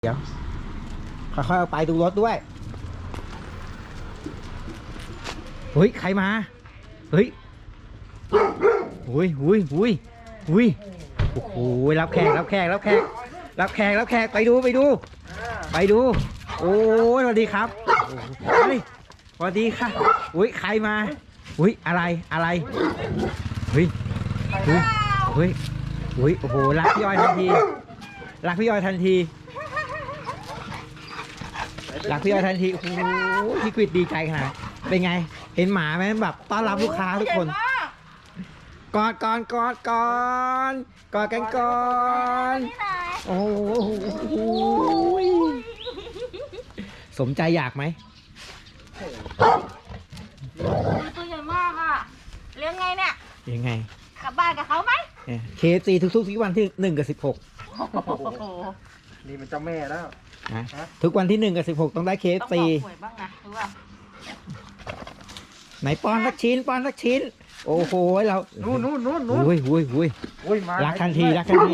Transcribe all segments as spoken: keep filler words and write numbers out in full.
เดี๋ยวค่อยๆเอาไปดูรถด้วยเฮ้ยใครมาเฮ้ยอุ้ยอุ้ยอุ้ยอุ้ยโอ้โหรับแขกรับแขกรับแขกรับแขกรับแขกไปดูไปดูไปดูโอ้ยสวัสดีครับเฮ้ยสวัสดีค่ะอุ้ยใครมาอุ้ยอะไรอะไรเฮ้ยเฮ้ยเฮ้ยอุ้ยโอ้โหรักพี่อ้อยทันทีรักพี่อ้อยทันทีรักพี่อ้อยทันทีโอ้โหพี่กฤษดีใจขนาดเป็นไงเห็นหมาไหมแบบต้อนรับลูกค้าทุกคนกอดกอดกอดกอดกอดกันก่อนโอ้โหสมใจอยากไหมตัวใหญ่มากอ่ะเลี้ยงไงเนี่ยยังไงกลับบ้านกับเขาไหมเคฟซีทุกๆทุกวันที่หนึ่งกับสิบหกนี่มันเจ้าแม่แล้วนะทุกวันที่หนึ่งกับสิบหกต้องได้เคฟซีต้องบอกหวยบ้างนะรู้ป่ะไหนป้อนสักชิ้นป้อนสักชิ้นโอ้โหเรานู่นนู่นนู่นนู่นอุ้ยอุ้ยอุ้ยอุ้ยมารักทันทีรักทันที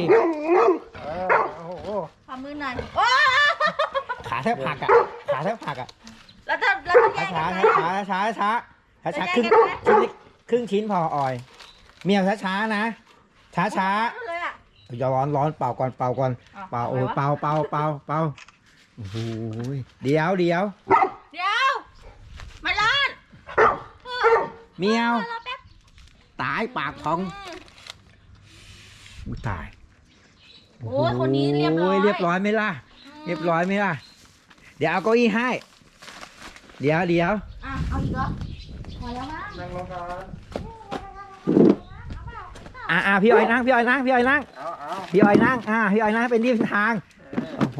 ขอมือหน่อยขาแทบหักอ่ะขาแทบหักอ่ะแล้วจะแล้วจะแยกช้ากันไหมช้าช้าช้าช้าช้าครึ่งชิ้นครึ่งชิ้นพอออยเมียวช้าช้านะช้าช้าอย่าร้อนร้อนเป่าก่อนเป่าก่อนเป่าโอ้เป่าเป่าเป่าเป่าโอ้โหเดี๋ยวเดี๋ยวเดี๋ยวมาล้านเมียวตายปากพองอุ้ยตายโอ้ยคนนี้เรียบร้อยเรียบร้อยไหมล่ะเรียบร้อยไหมล่ะเดี๋ยวเอาเก้าอี้ให้เดี๋ยวเดี๋ยวอ่ะเอาอีกเหรอพอแล้วมั้งนั่งลงก่อนอ่าอ่าพี่อ้อยนั่งพี่อ้อยนั่งพี่อ้อยนั่งพี่อ้อยนั่งอ่าพี่อ้อยนั่งเป็นที่ทางโอ้โห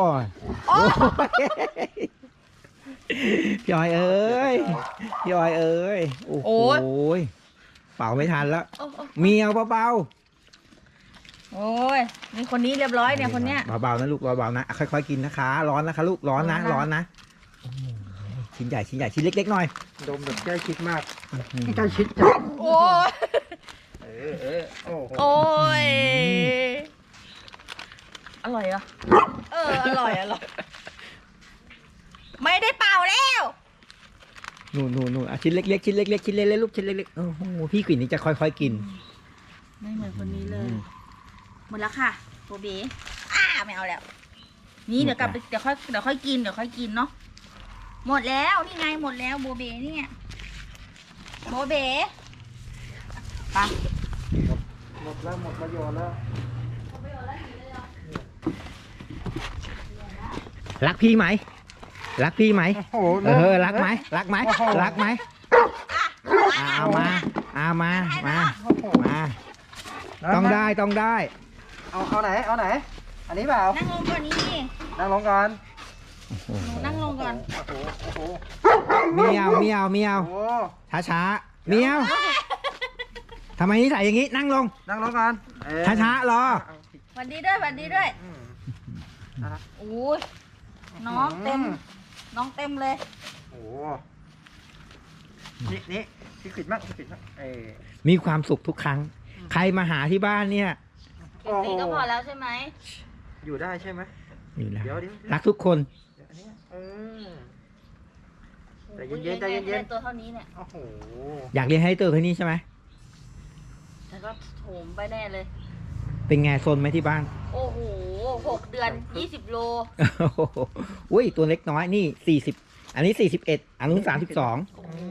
พี่อ้อยเอ้ยพี่อ้อยเอ้ยโอ้โหเป่าไม่ทันแล้วเมียวเบาๆโอ้ยนี่คนนี้เรียบร้อยเนี่ยคนเนี้ยเบาๆนะลูกเบาๆนะค่อยๆกินนะคะร้อนนะคะลูกร้อนนะร้อนนะชิ้นใหญ่ชิ้นใหญ่ชิ้นเล็กๆหน่อยดมแบบใกล้ชิดมากใกล้ชิดจังโอ้ยเออเออโอ้โอ้ยอร่อยอ่ะเอออร่อยอร่อยไม่ได้เป่าแล้วนู่นนู่นนู่นชิ้นเล็กๆชิ้นเล็กๆชิ้นเล็กๆลูกชิ้นเล็กๆโอ้โหพี่กลิ่นนี่จะค่อยๆกินไม่เหมือนคนนี้เลยหมดแล้วค่ะโบเบ้อ้าไม่เอาแล้วนี่เดี๋ยวกลับเดี๋ยวค่อยเดี๋ยวค่อยกินเดี๋ยวค่อยกินเนาะหมดแล้วนี่ไงหมดแล้วโบเบ้นี่โบเบ้ไปหมดแล้วหมดประโยชน์แล้วรักพี่ไหมรักพี่ไหมเออรักไหมรักไหมรักไหมเอามาเอามามามาต้องได้ต้องได้เอาเอาไหนเอาไหนอันนี้เปล่านั่งลงก่อนนี่นั่งลงก่อนนั่งลงก่อนเมียวเมียวเมียวช้าช้าเมียวทำไมนิสัยอย่างนี้นั่งลงนั่งลงก่อนช้าช้ารอสวัสดีด้วยสวัสดีด้วยโอ้ยน้องเต็มน้องเต็มเลยโอ้นี่นี่พี่ขิดมากพี่ขิดมากเออมีความสุขทุกครั้งใครมาหาที่บ้านเนี่ยตีก็พอแล้วใช่ไหมอยู่ได้ใช่ไหมอยู่แล้วรักทุกคนแต่เย็นๆใจเย็นๆตัวเท่านี้เนี่ยโอ้โหอยากเรียนให้ตัวเท่านี้ใช่ไหมแล้วก็โถมไปแน่เลยเป็นไงโซนไหมที่บ้านโอ้โหหกเดือนยี่สิบโลอุ้ยตัวเล็กน้อยนี่สี่สิบอันนี้สี่สิบเอ็ดอันนู้นสามสิบสองโอ้โห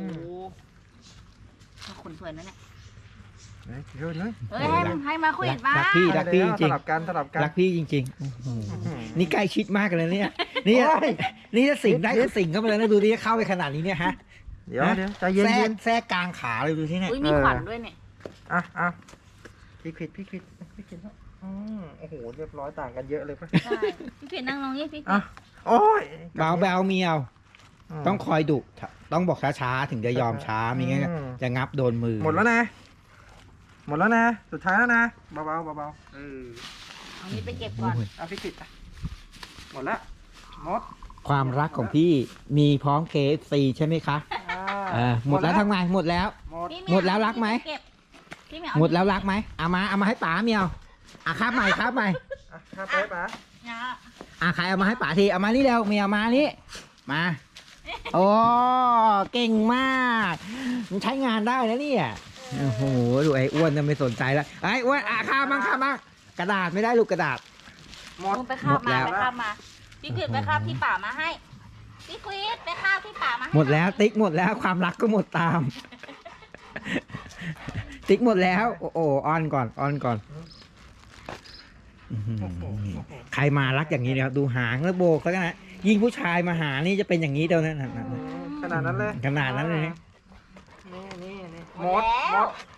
ขนสวยนะเนี่ยเดี๋ยวเลยเฮ้ยให้ให้มาคุยบ้างรักพี่รักพี่จริงสลับกันสลับกันรักพี่จริงๆนี่ใกล้ชิดมากเลยเนี่ยนี่นี่ถ้าสิงได้ก็สิงเข้าไปเลยนะดูดิเข้าไปขนาดนี้เนี่ยฮะเดี๋ยวเดี๋ยวใจเย็นๆแทรกกลางขาเลยดูที่เนี่ยมีขวัญด้วยเนี่ยอ่ะอ่ะพี่ขิดพี่ขิดพี่ขิดอืมโอ้โหเรียบร้อยต่างกันเยอะเลยป่ะใช่พี่ขิดนั่งลงนี่พี่อ่ะโอ้ยเบาเบาเมียวต้องคอยดุต้องบอกช้าๆถึงจะยอมช้าไม่งั้นจะงับโดนมือหมดแล้วนะหมดแล้วนะสุดท้ายแล้วนะเบาๆเบาๆเออเอานี้ไปเก็บก่อนเอาพี่ขิดหมดแล้วหมดความรักของพี่มีพร้อม เค เอฟ ซี ใช่ไหมคะหมดแล้วทั้งไงหมดแล้วหมดแล้วรักไหมหมดแล้วรักไหมเอามาเอามาให้ป๋าเมียวอ่ะคาบใหม่คาบใหม่คาบไปป๋าอ่ะใครเอามาให้ป๋าทีเอามานี่เร็วเมียเอามานี่มาโอ้เก่งมากมันใช้งานได้แล้วเนี่ยโอ้โหดูไอ้อ้วนน่ะไม่สนใจแล้วไอ้อ้วนอ่ะข้ามบ้างข้ามบ้างกระดาษไม่ได้ลูกกระดาษหมดลงไปคาบหมดแล้มาว ไปคาบมาพี่ควิดไปคาบที่ป่ามาให้พี่ควิดไปคาบที่ป่ามาให้หมดแล้วติ๊กหมดแล้วความรักก็หมดตาม ติ๊กหมดแล้วโอ้โหออนก่อนออนก่อนอื้อหือใครมารักอย่างนี้นะครับดูหางแล้วโบกแล้วกันนะยิ่งผู้ชายมาหานี่จะเป็นอย่างนี้เดียวนั้นขนาดนั้นเลยขนาดนั้นเลยนะนี่นี่นี่หมดหมด